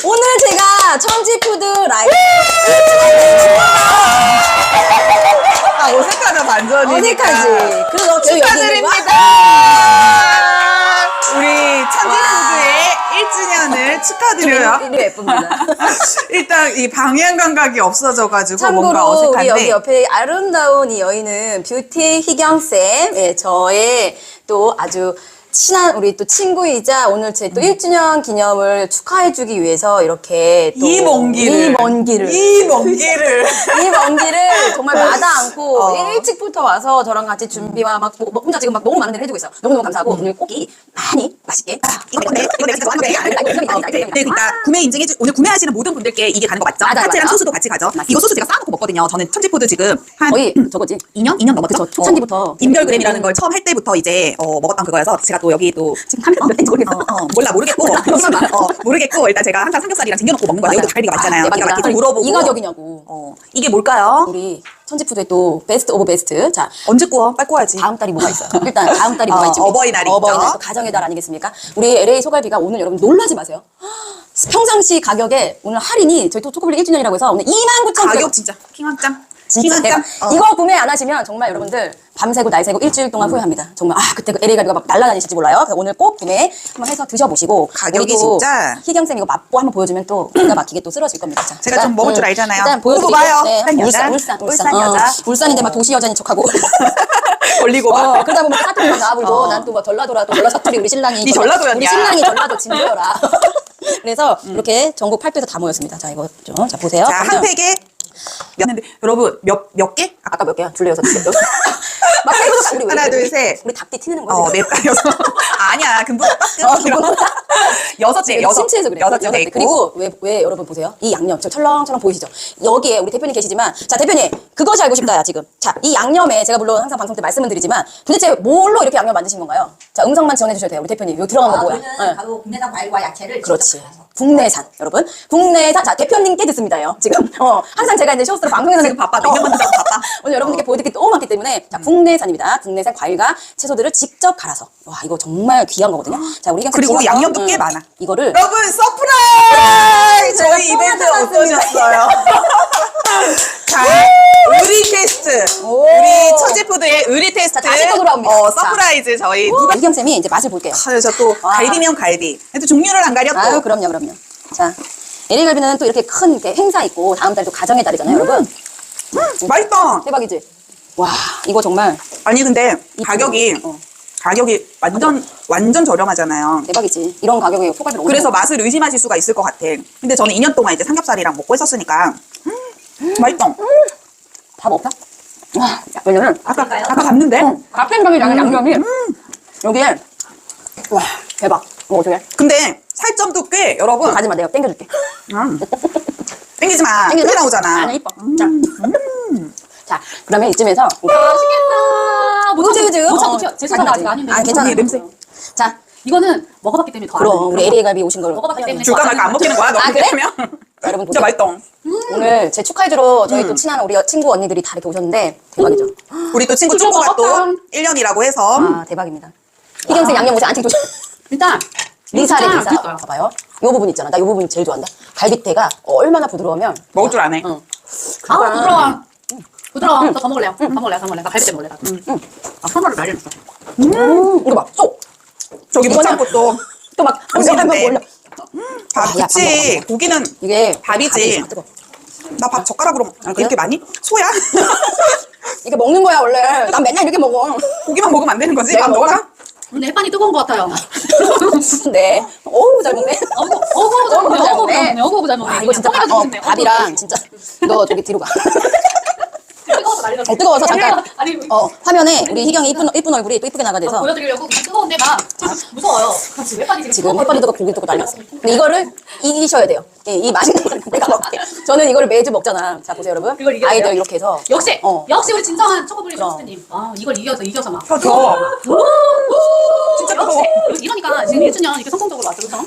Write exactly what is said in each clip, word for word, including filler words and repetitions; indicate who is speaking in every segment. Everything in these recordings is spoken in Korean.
Speaker 1: 오늘 제가 천지푸드 라이브
Speaker 2: 아, 어색하다, 반전이니까.
Speaker 1: 어색하지. 그래서 저
Speaker 2: 축하드립니다. 우리 천지푸드의 일 주년을 축하드려요.
Speaker 1: 여기 예쁩니다.
Speaker 2: 일단 이 방향 감각이 없어져가지고 뭔가
Speaker 1: 참고로
Speaker 2: 어색한데.
Speaker 1: 우리 여기 옆에 아름다운 이 여인은 뷰티 희경쌤, 예, 저의 또 아주 친한 우리 또 친구이자 오늘 제 또 일 주년 기념을 축하해주기 위해서 이렇게 또
Speaker 2: 이 먼 길을.
Speaker 1: 이 먼 길을
Speaker 2: 이 먼 길을.
Speaker 1: 이 먼 길을 정말 마다 않고
Speaker 2: 어.
Speaker 1: 일찍부터 와서 저랑 같이 준비와 막 뭐, 뭐 혼자 지금 막 너무 많은 데를 해주고 있어요. 너무너무 감사하고 오늘 고기 많이 맛있게
Speaker 2: 이거 내 건데, 이거 내가 진짜 좋아하는 건데. 네, 그러니까 구매 인증해주, 오늘 구매하시는 모든 분들께 이게 가는 거 맞죠?
Speaker 1: 맞아요,
Speaker 2: 파채랑
Speaker 1: 맞아요.
Speaker 2: 소스도 같이 가죠? 이거 소스 제가 쌓아놓고 먹거든요. 저는 천지푸드 지금 한
Speaker 1: 거의 저거지.
Speaker 2: 이 년? 이 년 넘었죠?
Speaker 1: 그쵸, 초창기부터.
Speaker 2: 인별그램이라는 걸 처음 할 때부터 이제 어, 먹었던 그거여서 제가 또 여기 또 지금 카메라 몇 대인지 모르겠어. 어, 어, 몰라 모르겠고 어, 모르겠고 일단 제가 항상 삼겹살이랑 챙겨놓고 먹는 거예요. 여기도 갈비가 많잖아요. 기가 막히게 좀 물어보고
Speaker 1: 이 가격이냐고.
Speaker 2: 어, 이게 뭘까요?
Speaker 1: 우리 천지푸드의 또 베스트 오브 베스트. 자,
Speaker 2: 언제 구워? 빨리 구워야지.
Speaker 1: 다음 달이 뭐가 있어요? 일단 다음 달이 뭐가
Speaker 2: 어,
Speaker 1: 있지?
Speaker 2: 어버이날이
Speaker 1: 어버이날
Speaker 2: 있죠.
Speaker 1: 또 가정의 달 아니겠습니까? 우리 엘에이 소갈비가 오늘 여러분 놀라지 마세요. 평상시 가격에 오늘 할인이 저희 또 초코블리 일 주년이라고 해서 오늘 이만 구천 원
Speaker 2: 가격 진짜 킹왕짱.
Speaker 1: 진짜 대박.
Speaker 2: 어.
Speaker 1: 이거 구매 안 하시면 정말 여러분들 밤새고 날새고 일주일 동안 후회합니다. 정말 아 그때 그 엘에이 갈비가 막 날라다니실지 몰라요. 그래서 오늘 꼭 구매 한번 해서 드셔보시고
Speaker 2: 가격이
Speaker 1: 우리 또
Speaker 2: 진짜.
Speaker 1: 희경쌤 이거 맛보 한번 보여주면 또 기가 막히게 또 쓰러질 겁니다. 자,
Speaker 2: 제가 좀 먹을 줄 알잖아요.
Speaker 1: 일단
Speaker 2: 보고
Speaker 1: 보여드릴게요.
Speaker 2: 봐요.
Speaker 1: 네,
Speaker 2: 울산 여자.
Speaker 1: 울산, 울산,
Speaker 2: 울산
Speaker 1: 어,
Speaker 2: 여자.
Speaker 1: 울산인데 막 도시 여자인 척하고.
Speaker 2: 걸리고
Speaker 1: 어,
Speaker 2: 막.
Speaker 1: 그러다 보면 사투리 막 나불고
Speaker 2: 어.
Speaker 1: 난 또 뭐 전라도라 또 전라 사투리 우리 신랑이
Speaker 2: 니
Speaker 1: 전라-
Speaker 2: 전라도였냐?
Speaker 1: 우리 신랑이 전라도 진도여라. 그래서 이렇게 전국 팔도에서 다 모였습니다. 자 이거 좀 자 보세요.
Speaker 2: 자, 한
Speaker 1: 그러면
Speaker 2: 팩에 몇, 근데 여러분 몇, 몇 개?
Speaker 1: 아까 몇 개야? 둘레 여섯 개. 막 빼고서 우리 왜
Speaker 2: 하나,
Speaker 1: 이래?
Speaker 2: 둘, 셋.
Speaker 1: 우리 답디 티내는 거야.
Speaker 2: 어,
Speaker 1: 지금?
Speaker 2: 넷, 여섯. 아니야, 금붕어
Speaker 1: 어,
Speaker 2: 딱
Speaker 1: 금붕어.
Speaker 2: 여섯 개, 여섯.
Speaker 1: 침체해서 그래.
Speaker 2: 여섯 개 있고.
Speaker 1: 그리고 왜, 왜 여러분 보세요? 이 양념, 저 철렁철렁 보이시죠? 여기에 우리 대표님 계시지만, 자, 대표님, 그것이 알고 싶다야, 지금. 자, 이 양념에 제가 물론 항상 방송 때 말씀을 드리지만, 도대체 뭘로 이렇게 양념 만드신 건가요? 자, 음성만 지원해 주셔도 돼요. 우리 대표님. 이거 들어간 거
Speaker 3: 아,
Speaker 1: 뭐야?
Speaker 3: 저는
Speaker 1: 예.
Speaker 3: 바로 국내산 과일과 야채를
Speaker 1: 그렇지.
Speaker 3: 직접 갈아서.
Speaker 1: 국내산, 여러분. 국내산. 자, 대표님께 듣습니다요. 지금. 어, 항상 제가 이제 쇼스로 방송에서
Speaker 2: 지금 바빠. 냉면 만들다가 바빠.
Speaker 1: 오늘 여러분들께 보여드릴 게 너무 많기 때문에. 자, 국내산입니다. 국내산 과일과 채소들을 직접 갈아서. 와, 이거 정말 귀한 거거든요. 자, 우리
Speaker 2: 그리고
Speaker 1: 집어서,
Speaker 2: 양념도
Speaker 1: 음,
Speaker 2: 꽤 많아.
Speaker 1: 이거를.
Speaker 2: 여러분, 서프라이즈!
Speaker 1: 저희가
Speaker 2: 저희 이벤트
Speaker 1: 뽑아놨습니다.
Speaker 2: 어떠셨어요? 자, 의리 테스트.
Speaker 1: 오.
Speaker 2: 우리 천지푸드의 의리 테스트.
Speaker 1: 자, 다시 또 돌아옵니다.
Speaker 2: 어,
Speaker 1: 자.
Speaker 2: 서프라이즈 저희 누가.
Speaker 1: 이경쌤이 이제 맛을 볼게요.
Speaker 2: 그래서 또
Speaker 1: 와.
Speaker 2: 갈비면 갈비. 또 종류를 안 가렸고.
Speaker 1: 아유, 그럼요, 그럼요. 자, 엘에이 갈비는 또 이렇게 큰 이렇게 행사 있고, 다음 달 또 가정의 달이잖아요, 여러분.
Speaker 2: 맛있다.
Speaker 1: 대박이지? 와, 이거 정말
Speaker 2: 아니 근데 가격이
Speaker 1: 어.
Speaker 2: 가격이 완전 완전 저렴하잖아요.
Speaker 1: 대박이지. 이런 가격에 소갈비를
Speaker 2: 그래서 맛을 의심하실 수가 있을 것 같아. 근데 저는 이 년 동안 이제 삼겹살이랑 먹고 했었으니까 음, 맛있다.
Speaker 1: 밥 없다? 와, 왜냐면
Speaker 2: 아까 아까 봤는데.
Speaker 1: 갓생강이랑 양념이 여기에 와 대박. 이거 어떻게?
Speaker 2: 근데 살점도 꽤 여러분.
Speaker 1: 가지마 내가 땡겨줄게.
Speaker 2: 음. 땡기지 마.
Speaker 1: 땡기지
Speaker 2: 크게
Speaker 1: 마.
Speaker 2: 나오잖아.
Speaker 1: 아니 이뻐. 자, 자 그러면 이쯤에서
Speaker 3: 맛있겠다.
Speaker 1: 그지 그지.
Speaker 3: 못 참고 튀어. 제 손은 아직 아닌데.
Speaker 1: 아 괜찮아.
Speaker 2: 이 냄새.
Speaker 1: 자
Speaker 3: 이거는 먹어봤기 때문에 더
Speaker 1: 그럼
Speaker 3: 알아요.
Speaker 1: 우리 엘에이 갈비 오신 걸
Speaker 3: 먹어봤기 때문에
Speaker 2: 줄까 말까 안 먹히는 거야. 너
Speaker 1: 아,
Speaker 2: 그렇게
Speaker 1: 그래?
Speaker 2: 하면.
Speaker 1: 자, 여러분
Speaker 2: 진짜
Speaker 1: 보세요.
Speaker 2: 맛있다.
Speaker 1: 오늘 제 축하해주러 저희 또 친한 우리 친구 언니들이 다 이렇게 오셨는데 대박이죠.
Speaker 2: 우리 또 친구
Speaker 3: 그거
Speaker 2: 친구가 또
Speaker 3: 먹었다.
Speaker 2: 일 년이라고 해서
Speaker 1: 아 대박입니다. 희경쌤 양념 옷에 안찍 조심.
Speaker 3: 일단
Speaker 1: 리사래
Speaker 3: 진짜
Speaker 1: 리사.
Speaker 3: 맛있어요.
Speaker 1: 봐봐요. 이 부분 있잖아. 나 이 부분 제일 좋아한다. 갈비대가 얼마나 부드러우면
Speaker 2: 먹을 줄 아네.
Speaker 1: 응.
Speaker 3: 아 부드러워. 부드러워. 너 더 먹을래요? 더 먹을래요? 더 먹을래? 나 갈비 때 먹을래. 나. 응. 아 선물을 난리 났어.
Speaker 1: 음, 이거 봐. 쏙.
Speaker 2: 저기 못 참고 또
Speaker 1: 또막
Speaker 2: 보시는데.
Speaker 1: 올려.
Speaker 2: 밥,
Speaker 1: 아, 야, 밥 먹어,
Speaker 2: 그치.
Speaker 1: 밥 먹어.
Speaker 2: 고기는
Speaker 1: 이게
Speaker 2: 밥이지.
Speaker 1: 아, 뜨거.
Speaker 2: 나 밥 젓가락으로 먹-
Speaker 1: 그래?
Speaker 2: 이렇게 많이? 소야?
Speaker 1: 이게 먹는 거야 원래. 난 맨날 이렇게 먹어.
Speaker 2: 고기만 먹으면 안 되는 거지?
Speaker 1: 내가
Speaker 2: 밥 넣어라?
Speaker 3: 근데 햇반이 뜨거운 것 같아요.
Speaker 1: 네. 어우 잘 먹네.
Speaker 3: 어구 어구 잘 먹네. 어구 잘 먹네. 어구 잘 먹네.
Speaker 1: 아, 이거 진짜 밥, 어, 밥이랑 진짜 너 저기 뒤로 가.
Speaker 3: 뜨거워서 난리 났어.
Speaker 1: 어, 뜨거워서 잠깐.
Speaker 3: 아니
Speaker 1: 어 화면에 우리 희경이 이쁜 이쁜 얼굴이 또 이쁘게 나가
Speaker 3: 어,
Speaker 1: 돼서
Speaker 3: 보여드리려고 그냥 뜨거운데 막 무서워요. 지금 햇반이 지금
Speaker 1: 지금 햇반이 뜨고 고기 뜨고 난리 났어. 근데 이거를 이기셔야 돼요. 이, 이 맛있는 걸 내가 먹게. 저는 이거를 매주 먹잖아. 자 보세요 여러분.
Speaker 3: 그걸 이겨야
Speaker 1: 아이들
Speaker 3: 돼요?
Speaker 1: 이렇게 해서
Speaker 3: 역시
Speaker 1: 어.
Speaker 3: 역시 우리 진정한 초코블리
Speaker 1: 그럼.
Speaker 3: 쇼스님. 아 이걸 이겨서 이겨서 막.
Speaker 2: 더 더.
Speaker 3: 진짜 역시 이러니까 지금 일 주년 이렇게 성공적으로 왔죠, 그렇죠?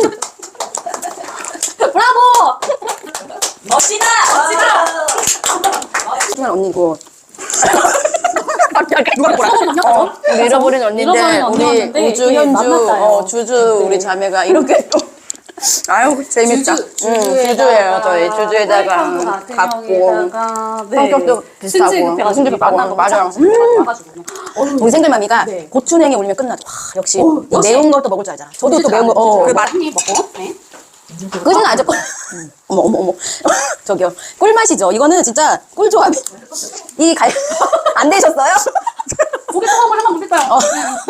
Speaker 3: 브라보! 멋지다! 멋지다!
Speaker 1: 희경 언니 이거
Speaker 2: 누가 뭐라?
Speaker 1: 어, 우리 잃어버린 언니인데
Speaker 3: 잃어버린
Speaker 1: 우리
Speaker 3: 언니였는데
Speaker 1: 우주
Speaker 3: 이게
Speaker 1: 현주
Speaker 3: 만났어요.
Speaker 1: 어, 주주 우리 자매가 이렇게 또
Speaker 2: 아유 재밌다.
Speaker 3: 주주,
Speaker 1: 음, 주주예요, 저희. 주주에다가 갖고. 성격도 비슷하고. 승질 급하고. 맞아요. 음. 우리 생글마미가
Speaker 3: 네.
Speaker 1: 고추냉이 올리면 끝나죠. 와, 역시 이 매운 걸 또 먹을 줄 알잖아. 저도 또 매운 거. 어.
Speaker 2: 그 말-
Speaker 3: 한입 먹고. 네.
Speaker 1: 꿀은 아주 꿀. 어머 어머 어머. 저기요. 꿀맛이죠. 이거는 진짜 꿀조합이. 이 갈. 안 되셨어요?
Speaker 3: 고기 소금을 한번 올릴까요?
Speaker 1: 어.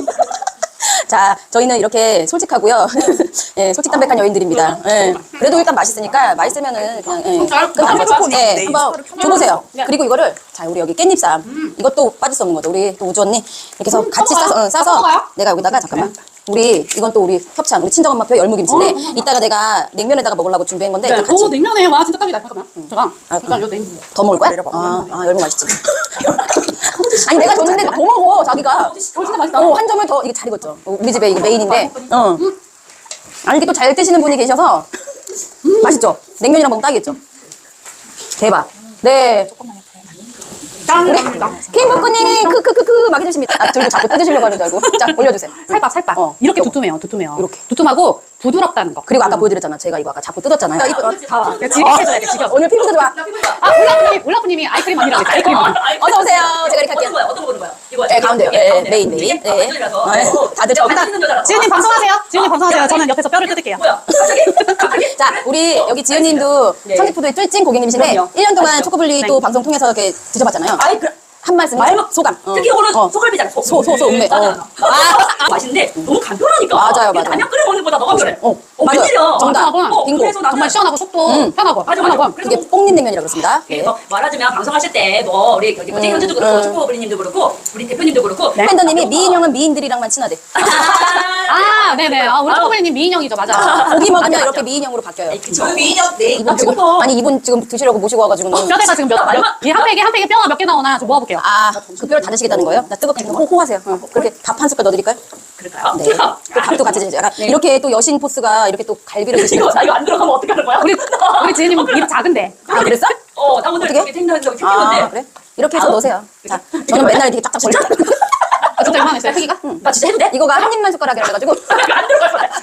Speaker 1: 자, 저희는 이렇게 솔직하고요. 예, 솔직담백한 여인들입니다. 예. 그래도 일단 맛있으니까 맛있으면은 그냥 예. 끝나는 거죠. 예,
Speaker 2: 네,
Speaker 1: 한번 줘보세요. 그리고 이거를 자, 우리 여기 깻잎쌈. 이것도 빠질 수 없는 거죠. 우리 또 우주 언니 이렇게 해서 같이 싸서 어, 싸서
Speaker 3: 먹어요?
Speaker 1: 내가 여기다가 잠깐만. 우리 이건 또 우리 협찬, 우리 친정엄마표 열무김치인데 이따가 내가 냉면에다가 먹으려고 준비한 건데
Speaker 3: 네.
Speaker 1: 일단 같이
Speaker 3: 오, 냉면에 와 진짜 딱이다. 잠깐만. 제가
Speaker 1: 아,
Speaker 3: 일단 요 냉면.
Speaker 1: 더 먹을 거야? 아, 아 열무 맛있지. 아니 내가 줬는데 더 먹어 자기가.
Speaker 3: 어, 진짜 맛있다.
Speaker 1: 어, 한 점을 더 이게 잘 익었죠. 어, 우리 집에 이게 메인인데. 어. 아니 이게 또 잘 드시는 분이 계셔서 맛있죠. 냉면이랑 먹으면 딱이겠죠. 대박. 네. 우리 킹복구님이 크크크크 막 해주십니다. 아, 들고 자꾸 뜯으시려고 하는 줄 알고. 자, 올려주세요.
Speaker 3: 살밥 살밥.
Speaker 1: 어.
Speaker 3: 이렇게 두툼해요. 두툼해요.
Speaker 1: 이렇게.
Speaker 3: 두툼하고 부드럽다는 거.
Speaker 1: 그리고 아까 보여드렸잖아. 제가 이거 아까 자꾸 뜯었잖아요. 어,
Speaker 3: 다. 지켜줘야 돼. 지켜.
Speaker 1: 오늘 피부도 좋아.
Speaker 3: 아 울라프님 울라프님이 아이크림 아니라고 했어. 아이크림.
Speaker 1: 어서 오세요. 제가 이렇게 할게요.
Speaker 4: 거야? 어떤 거 보는 거야? 이거
Speaker 1: 네, 가운데요.
Speaker 4: 이게
Speaker 1: 네,
Speaker 4: 가운데야.
Speaker 1: 메인, 메인.
Speaker 4: 이게
Speaker 1: 네.
Speaker 4: 가운데라서.
Speaker 1: 네. 다들 저
Speaker 4: 맛있는 여자라서.
Speaker 3: 지은님 방송하세요. 지은님 방송하세요. 저는 옆에서 뼈를 뜯을게요.
Speaker 4: 뭐야? 갑자기? 갑자기?
Speaker 1: 자, 우리 여기 지은님도
Speaker 4: 네.
Speaker 1: 청직푸드의 쫄찐 고객님이신데
Speaker 4: 그럼요.
Speaker 1: 일 년 동안
Speaker 4: 아시죠?
Speaker 1: 초코블리
Speaker 3: 네.
Speaker 1: 또 방송 통해서 이렇게 드셔봤잖아요.
Speaker 4: 아이 그
Speaker 1: 한 말씀
Speaker 4: 말만
Speaker 1: 소감. 어.
Speaker 4: 특히 이거는
Speaker 1: 어.
Speaker 4: 소갈비잖아. 소,
Speaker 1: 소, 소, 소, 음메. 어.
Speaker 4: 아, 맛있는데 너무 간편하니까.
Speaker 1: 맞아요,
Speaker 4: 이게
Speaker 1: 맞아요.
Speaker 4: 라면 끓여 먹는 거보다 더 간편해.
Speaker 1: 어,
Speaker 4: 어,
Speaker 1: 맞아요.
Speaker 4: 웬일이야.
Speaker 1: 정답.
Speaker 3: 편하고
Speaker 4: 어,
Speaker 1: 빙고.
Speaker 4: 그래서 나는
Speaker 3: 정말 시원하고 속도
Speaker 1: 음.
Speaker 3: 편하고
Speaker 4: 맞아, 맞아.
Speaker 3: 편하고.
Speaker 1: 이게 뽕님냉면이라고 그렇습니다. 네.
Speaker 4: 그래서 말하자면 방송하실 때 뭐 우리 여기 뭐지 현주도 그렇고
Speaker 1: 음.
Speaker 4: 초코블리님도 그렇고 우리 대표님도 그렇고
Speaker 1: 팬더님이 미인형은 미인들이랑만 친하대.
Speaker 3: 아 네네. 아, 우리 초코블리님 미인형이죠. 맞아.
Speaker 1: 고기 먹으면
Speaker 4: 맞아,
Speaker 1: 이렇게
Speaker 4: 맞아.
Speaker 1: 미인형으로 바뀌어요.
Speaker 4: 그쵸. 미인형 네.
Speaker 1: 이분 지금 아니 이분 지금 드시려고 모시고 와가지고는
Speaker 3: 뼈대가 지금 몇, 몇, 이한 팩에 한 팩에 뼈가 몇 개 나오나 좀 모아볼게요.
Speaker 1: 아그 뼈를 다 드시겠다는 거예요? 나 뜨겁게 호호하세요. 어. 그렇게 밥 한 숟갈 넣어드릴까요?
Speaker 4: 그럴까요?
Speaker 1: 네. 그 밥도 같이 드세요. 약간 이렇게 또 여신 포스가 이렇게 또 갈비를
Speaker 4: 이거
Speaker 1: 드시고.
Speaker 4: 나 이거 안 들어가면 어떡하는 거야?
Speaker 3: 우리 우리 지은님 입 작은데.
Speaker 1: 아 그랬어?
Speaker 4: 어, 나 오늘
Speaker 1: 어떻게?
Speaker 4: 저기 생각해서
Speaker 1: 아
Speaker 4: 튀기는데.
Speaker 1: 그래? 이렇게 해서 넣으세요. 자, 저는 맨날 이렇게 쫙쫙 벌려.
Speaker 3: 아, 진짜 이만했어요. 크기가?
Speaker 4: 나 진짜 해도 돼?
Speaker 1: 이거가 한 입만 숟가락이라 가지고.
Speaker 4: 이거 안 들어갈 거야.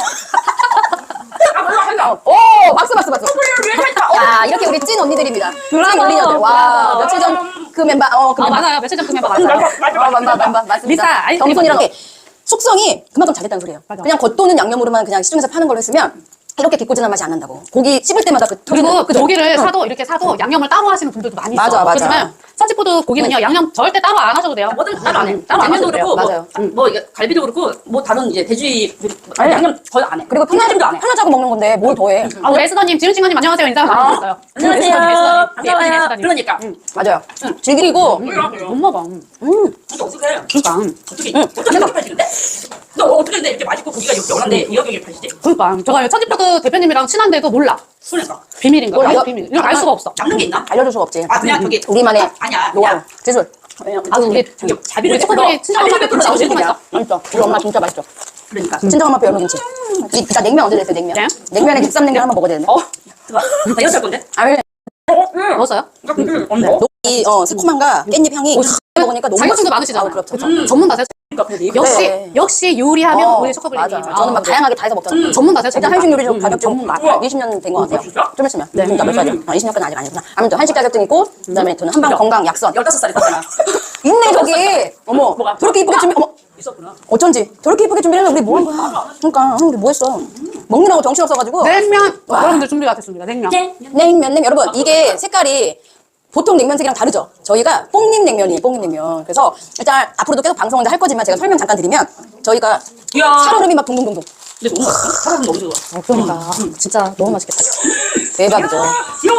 Speaker 4: 아, 몰라, 몰라.
Speaker 1: 오 박수 박수 박수.
Speaker 4: 소리를 왜 했다?
Speaker 1: 야 이렇게 우리 찐 언니들입니다. 찐
Speaker 3: 브라보,
Speaker 1: 올리녀들. 와
Speaker 3: 브라보.
Speaker 1: 며칠 전 그 멤버 어그
Speaker 3: 아
Speaker 1: 멤버.
Speaker 3: 맞아요. 며칠 전그 멤버 맞아요.
Speaker 1: 어 멤버 멤버 맞습니다.
Speaker 3: 리사, 아이스크림
Speaker 1: 경손이랑
Speaker 3: 맞죠?
Speaker 1: 게 숙성이 그만큼 잘됐다는 소리예요.
Speaker 3: 맞아.
Speaker 1: 그냥 겉도는 양념으로만 그냥 시중에서 파는 걸로 했으면 이렇게 기꼬지한 맛이 안 난다고. 고기 씹을 때마다 그
Speaker 3: 그리고
Speaker 1: 터지는-
Speaker 3: 그
Speaker 1: 그죠?
Speaker 3: 고기를
Speaker 1: 응.
Speaker 3: 사도 이렇게 사도 양념을 따로 하시는 분들도 많이 있어.
Speaker 1: 맞아, 맞아.
Speaker 3: 그렇지만 선지푸드 고기는요 양념 절대 따로 안 하셔도 돼요.
Speaker 4: 뭐든 따로 안 해.
Speaker 3: 따로 안
Speaker 4: 냉면도
Speaker 3: 하셔도 돼요.
Speaker 4: 그렇고,
Speaker 1: 맞아요.
Speaker 4: 뭐, 뭐 이게 갈비도 그렇고, 뭐 다른 이제 돼지
Speaker 1: 아니,
Speaker 4: 양념 거의 안 해.
Speaker 1: 그리고
Speaker 4: 편하지도 안
Speaker 1: 편하자고
Speaker 4: 해.
Speaker 1: 편하자고 먹는 건데 뭘 더해?
Speaker 3: 아, 우리 에스더님, 지은친구님 안녕하세요. 인사 많이 드렸어요.
Speaker 4: 안녕하세요. 반가워요.
Speaker 3: 에스더님.
Speaker 4: 그러니까.
Speaker 1: 맞아요. 즐기고
Speaker 3: 못 먹어. 음.
Speaker 4: 근데 어떻게 해?
Speaker 3: 그러니까.
Speaker 4: 어떻게 어떻게 이렇게 팔지는데? 너 어떻게 근데 이렇게 맛있고 고기가 이렇게 연한데 이렇게 이렇게 팔지지?
Speaker 3: 그러니까 제가 천지푸드 대표님이랑 친한데도 몰라.
Speaker 4: 그러니까
Speaker 3: 비밀인 거야.
Speaker 1: 몰라.
Speaker 3: 비밀. 이거 알 수가 없어.
Speaker 4: 잡는 게 있나?
Speaker 1: 알려줄 수가 없지.
Speaker 4: 아 그냥 저기
Speaker 1: 우리만의
Speaker 4: 아, 아니야.
Speaker 1: 노하우,
Speaker 4: 그냥
Speaker 1: 기술.
Speaker 3: 아, 우리
Speaker 4: 저기 자비를
Speaker 3: 우리 초코들이 친정엄마한테 김치 너무 맛있어.
Speaker 1: 맛있어. 우리 엄마 진짜 맛있어.
Speaker 4: 그러니까.
Speaker 1: 친정엄마 뼈 열무김치. 이- 진짜 냉면 언제 됐어요 냉면?
Speaker 3: 네?
Speaker 1: 냉면에 국삼 냉면 한번 먹어야 되는데.
Speaker 4: 어. 나 이거 살 건데.
Speaker 1: 아 왜?
Speaker 3: 먹었어요?
Speaker 4: 언제?
Speaker 1: 이 어, 새콤함과 깻잎 향이 먹으니까 너무
Speaker 3: 자격증도
Speaker 1: 맛있어.
Speaker 3: 많으시잖아요.
Speaker 1: 아, 그렇죠.
Speaker 3: 음. 전문가세요.
Speaker 4: 그러니까 근데 이거
Speaker 3: 역시
Speaker 1: 네.
Speaker 3: 역시 요리하면
Speaker 1: 어,
Speaker 3: 우리 초코블리.
Speaker 1: 맞아. 저는 막 다양하게 다 해서 먹잖아요.
Speaker 3: 전문가세요.
Speaker 1: 일단
Speaker 3: 전문가.
Speaker 1: 한식 요리 좀
Speaker 3: 음,
Speaker 1: 자격증
Speaker 3: 전문가.
Speaker 1: 한 이십 년 된 것 같아요.
Speaker 4: 진짜?
Speaker 1: 좀 있으면. 네. 그러니까 몇 살이야? 아, 이십 년까지 아직 아니구나. 아무튼 한식 자격증 있고 그다음에 저는 한방 건강 약선.
Speaker 4: 열다섯 살이 떴잖아.
Speaker 1: 있네 저기. 어머.
Speaker 4: 뭐가?
Speaker 1: 저렇게 이쁘게 준비. 어머.
Speaker 4: 있었구나.
Speaker 1: 어쩐지 저렇게 이쁘게 준비를 우리 뭐 한 거야? 그러니까 우리 뭐 했어? 먹느라고 정신 없어가지고.
Speaker 3: 냉면. 여러분들 준비가 됐습니다. 냉면.
Speaker 4: 네.
Speaker 1: 냉면 냉면 여러분 이게 색깔이 보통 냉면색이랑 다르죠. 저희가 뽕님 냉면이에요. 뽕님 냉면. 그래서 일단 앞으로도 계속 방송을 할 거지만 제가 설명 잠깐 드리면 저희가
Speaker 4: 이야.
Speaker 1: 살얼음이 막 동동동동.
Speaker 4: 근데 너무 맛있어. 사람 너무 좋아.
Speaker 3: 그러니까 진짜 너무 맛있겠다.
Speaker 1: 대박이죠.
Speaker 4: 이야.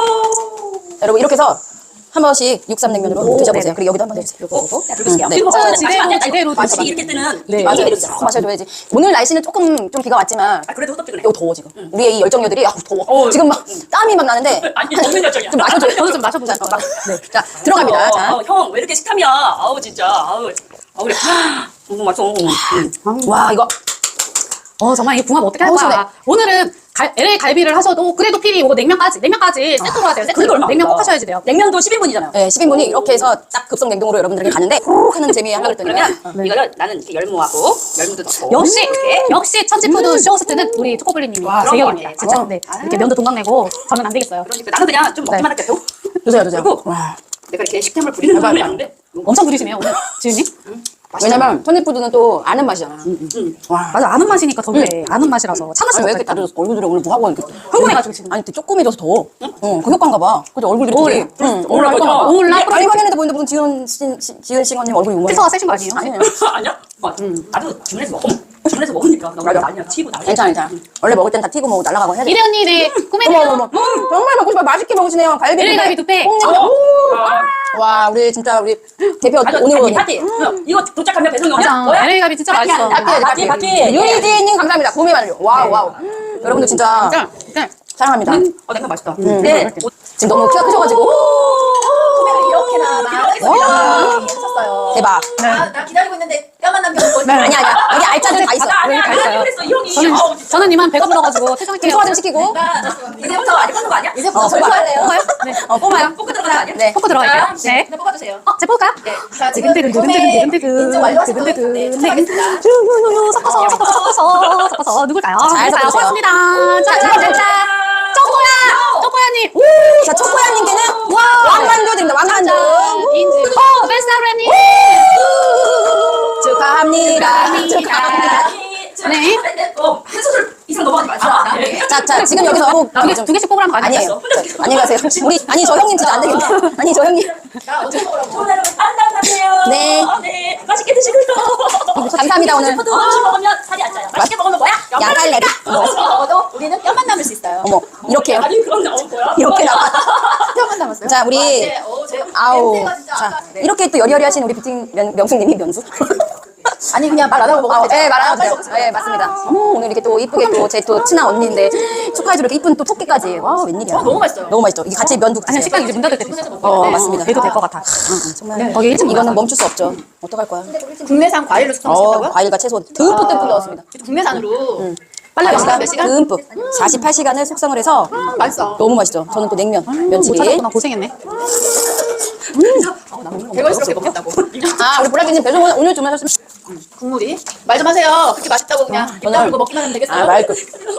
Speaker 1: 여러분 이렇게 해서 한 번씩 육삼냉면으로
Speaker 3: 오,
Speaker 1: 드셔보세요.
Speaker 3: 네네.
Speaker 1: 그리고 여기도 한 번 해주세요. 요거 요거.
Speaker 4: 자, 들어보세요.
Speaker 1: 네.
Speaker 4: 이거
Speaker 3: 자,
Speaker 4: 봐요.
Speaker 3: 지대로,
Speaker 4: 아니, 아니,
Speaker 3: 지대로
Speaker 4: 맛이
Speaker 3: 드셔봐.
Speaker 4: 이렇게 뜨는
Speaker 1: 네,
Speaker 4: 이
Speaker 1: 맞아요.
Speaker 4: 매력이잖아.
Speaker 1: 꼭 마셔줘야지. 오늘 날씨는 조금 좀 비가 왔지만
Speaker 4: 아 그래도 호떡 그래.
Speaker 1: 이거 더워 지금. 우리의 이 열정녀들이 아 더워.
Speaker 4: 어,
Speaker 1: 지금 막 땀이 막 나는데
Speaker 4: 아니 너무 열정이야.
Speaker 1: 좀 마셔줘요.
Speaker 3: 저도 좀 마셔보자.
Speaker 1: 자, 어, 막, 네. 자 들어갑니다. 자.
Speaker 4: 어, 형, 왜 이렇게 식탐이야? 아우, 진짜. 아우, 아우, 그래. 너무 맛있어. 음.
Speaker 1: 와 이거
Speaker 3: 어 정말 이 궁합 어떻게 할
Speaker 1: 어우,
Speaker 3: 거야?
Speaker 1: 시원해.
Speaker 3: 오늘은 갈, 엘에이 갈비를 하셔도 그래도 필히 이거 냉면까지 냉면까지 세트로 하세요. 세트로
Speaker 4: 그래도 얼마
Speaker 3: 냉면 꼭
Speaker 4: 없다.
Speaker 3: 하셔야지 돼요.
Speaker 4: 냉면도 십인 분이잖아요.
Speaker 1: 네, 십 인분이 이렇게 해서 딱 급성 냉동으로 여러분들에게 가는데 훅 하는 재미 하려고 했더니
Speaker 4: 그러면 이거를 나는 이렇게 열무하고 열무도 넣고
Speaker 3: 역시
Speaker 4: 이렇게
Speaker 3: 역시 천지푸드 쇼호스트는 우리 초코블리님이
Speaker 4: 와,
Speaker 3: 제격입니다.
Speaker 4: 그런
Speaker 3: 진짜
Speaker 4: 거.
Speaker 3: 네 이렇게 면도 동강내고 저는 안 되겠어요.
Speaker 4: 그러니까 나는 그냥 좀 먹기만 할게요.
Speaker 1: 드세요, 드세요.
Speaker 4: 그리고
Speaker 1: 와.
Speaker 4: 내가 이렇게 식탐을 부리는 사람이 아닌데
Speaker 3: 엄청 부리시네요 오늘 지은님.
Speaker 1: 왜냐면 천지푸드는 또 아는 맛이잖아.
Speaker 3: 와 맞아 아는 맛이니까 더 그래. 아는 맛이라서 찬 맛이
Speaker 1: 아니, 왜 이렇게 다들 얼굴들이 오늘 뭐 하고 이렇게 흥분해가지고 지금. 아니, 또 조금해져서 더. 응, 그 효과인가 봐. 그죠, 얼굴들이 되게. 응,
Speaker 4: 오늘
Speaker 1: 올라
Speaker 4: 거죠?
Speaker 3: 오늘 나
Speaker 1: 아니, 화면에도 보는데 무슨 지은 씨, 씨- 지은 싱어님 얼굴이 유머해.
Speaker 3: 피서가 세신 거 아니에요?
Speaker 1: 아니에요.
Speaker 4: 아니야? 맞아. 나도 주문해서 먹어. 주문해서 먹으니까 나
Speaker 1: 맞아.
Speaker 4: 아니야 튀고 난리.
Speaker 1: 괜찮아, 괜찮아. 원래 먹을 땐 다 튀고 뭐 날아가고 해야 돼.
Speaker 3: 이래 언니 네
Speaker 1: 어머,
Speaker 3: 꿈에네요.
Speaker 1: 어머, 어머. 음, 정말 먹고 싶어. 맛있게 먹으시네요. 갈비.
Speaker 3: 엘에이 갈비 두 팩.
Speaker 1: 콩나물. 와, 우리 진짜 우리 대표
Speaker 4: 아니,
Speaker 1: 오늘 오늘.
Speaker 4: 파티, 파티. 이거 도착하면 배송이 오냐?
Speaker 3: 맞아
Speaker 4: 뭐야?
Speaker 3: 엘에이 갈비 진짜
Speaker 4: 파티,
Speaker 3: 맛있어.
Speaker 4: 파티, 파티, 파티.
Speaker 1: 유이지님 감사합니다. 봄이 완료. 와우, 와우. 여러분들 진짜
Speaker 3: 진짜 진짜
Speaker 1: 사랑합니다.
Speaker 4: 어, 냉면 맛있다. 근데
Speaker 1: 지금 너무 키가 크셔가지고.
Speaker 4: 소매를 이렇게나
Speaker 1: 와.
Speaker 4: 하셨어요.
Speaker 1: 대박.
Speaker 4: 아, 나 기다리고 있는데 뼈만 남겨놓은 거지.
Speaker 1: 아니, 아니야. 여기 알짜들 다 있어.
Speaker 4: 아, 아니야,
Speaker 3: 다
Speaker 4: 아니야,
Speaker 3: 있어요.
Speaker 4: 그랬어, 이 형이.
Speaker 3: 저는
Speaker 4: 아우, 진짜.
Speaker 3: 저는 이만 배가 불러가지고 퇴장할게요.
Speaker 1: 소화 좀 시키고.
Speaker 4: 나 이제부터 아직 뽑는 거 아니야?
Speaker 1: 이제부터
Speaker 4: 어,
Speaker 1: 절거할래요.
Speaker 3: 뽑아요? 네.
Speaker 1: 어, 뽑아요.
Speaker 4: 뽑고 들어가는 거 아니야?
Speaker 1: 네.
Speaker 3: 뽑고 들어갈게요.
Speaker 4: 자,
Speaker 3: 네.
Speaker 4: 네, 뽑아주세요.
Speaker 3: 어, 제 뽑을까요?
Speaker 4: 네. 자, 지금
Speaker 3: 두근두근 두근두근 두근두근
Speaker 4: 인증 완료하신 분,
Speaker 3: 두근두근
Speaker 4: 네,
Speaker 3: 네.
Speaker 4: 추첨하겠습니다.
Speaker 3: 유유유 섞어서 섞어서 섞어서 섞어서 누굴까요?
Speaker 1: 잘
Speaker 3: 누굴까요?
Speaker 1: 섞으세요.
Speaker 3: 고맙습니다.
Speaker 1: 자,
Speaker 3: 자,
Speaker 1: 자,
Speaker 3: 자, 자, 쪼꼬야, 쪼꼬야님.
Speaker 1: 자, 초코야님께는 왕만두 드립니다. 왕만두.
Speaker 3: 인증. 어, 베스트라님.
Speaker 1: 축하합니다. 축하합니다.
Speaker 3: 네.
Speaker 4: 어, 한 소절 이상 넘어가지 마시라. 네.
Speaker 1: 자, 자, 지금 여기서 하고
Speaker 3: 두, 개, 두 개씩 뽑으라는 거 아니에요?
Speaker 1: 아니에요. 자, 안녕히 가세요. 우리 아니 저 형님 진짜 안 되겠네. 아니 저 형님.
Speaker 4: 자, 어떻게 먹으라고? 좋은 하루 안녕하세요.
Speaker 1: 네.
Speaker 4: 네. 맛있게 드시고요.
Speaker 1: 감사합니다, 오늘.
Speaker 4: 푸드 음식 먹으면 살이 안 쪄요. 맛있게 먹으면 뭐야?
Speaker 1: 야갈래비.
Speaker 4: 맛있게 먹어도 우리는 뼈만 남을 수 있어요.
Speaker 1: 어머, 이렇게요.
Speaker 4: 아니 그런 게 없고요.
Speaker 1: 이렇게 나와.
Speaker 4: 뼈만 남았어요?
Speaker 1: 자, 우리
Speaker 4: 네, 어, 제
Speaker 1: 아우.
Speaker 4: 냄새가 진짜
Speaker 1: 자,
Speaker 4: 아까- 네.
Speaker 1: 이렇게 또 여리여리 하신 우리 뷰팅 명- 명숙님이 면수.
Speaker 4: 아니 그냥 말 안 하고 먹으면
Speaker 1: 아, 네, 말하면
Speaker 4: 빨리
Speaker 1: 돼요.
Speaker 4: 먹으세요.
Speaker 1: 네, 맞습니다. 어머, 오늘 이렇게 또 이쁘게 또 제 또 친한 언니인데 축하해주러 이렇게 이쁜 또 토끼까지. 와, 웬일이야.
Speaker 4: 어, 너무 맛있어요.
Speaker 1: 너무 맛있죠. 이게 같이 면도
Speaker 3: 아니
Speaker 1: 드세요.
Speaker 3: 식당 이제 문 닫을 때도 있어.
Speaker 1: 어, 맞습니다.
Speaker 3: 돼도 될 것 같아.
Speaker 1: 정말
Speaker 3: 거기 일찍
Speaker 1: 이거는
Speaker 3: 나가서.
Speaker 1: 멈출 수 없죠. 어떡할 거야.
Speaker 4: 국내산 과일로
Speaker 1: 어,
Speaker 4: 수정하신다고요?
Speaker 1: 과일과 채소 듬뿍 듬뿍 넣었습니다.
Speaker 4: 국내산으로
Speaker 1: 빨리
Speaker 4: 몇
Speaker 1: 시간
Speaker 4: 시간?
Speaker 1: 듬뿍 사십팔 시간을 숙성을 해서
Speaker 4: 맛있어.
Speaker 1: 너무 맛있죠. 저는 또 냉면,
Speaker 3: 못
Speaker 1: 면치기.
Speaker 3: 찾았구나 고생했네.
Speaker 4: 개걸스럽게 먹겠다고.
Speaker 1: 아, 우리 보라기님 배송 오늘 주문하셨으면
Speaker 4: 국물이 말 좀 하세요. 그렇게 맛있다고 그냥 입
Speaker 1: 저는-
Speaker 4: 다물고 먹기만 하면 되겠어요?
Speaker 1: 아, 말끝.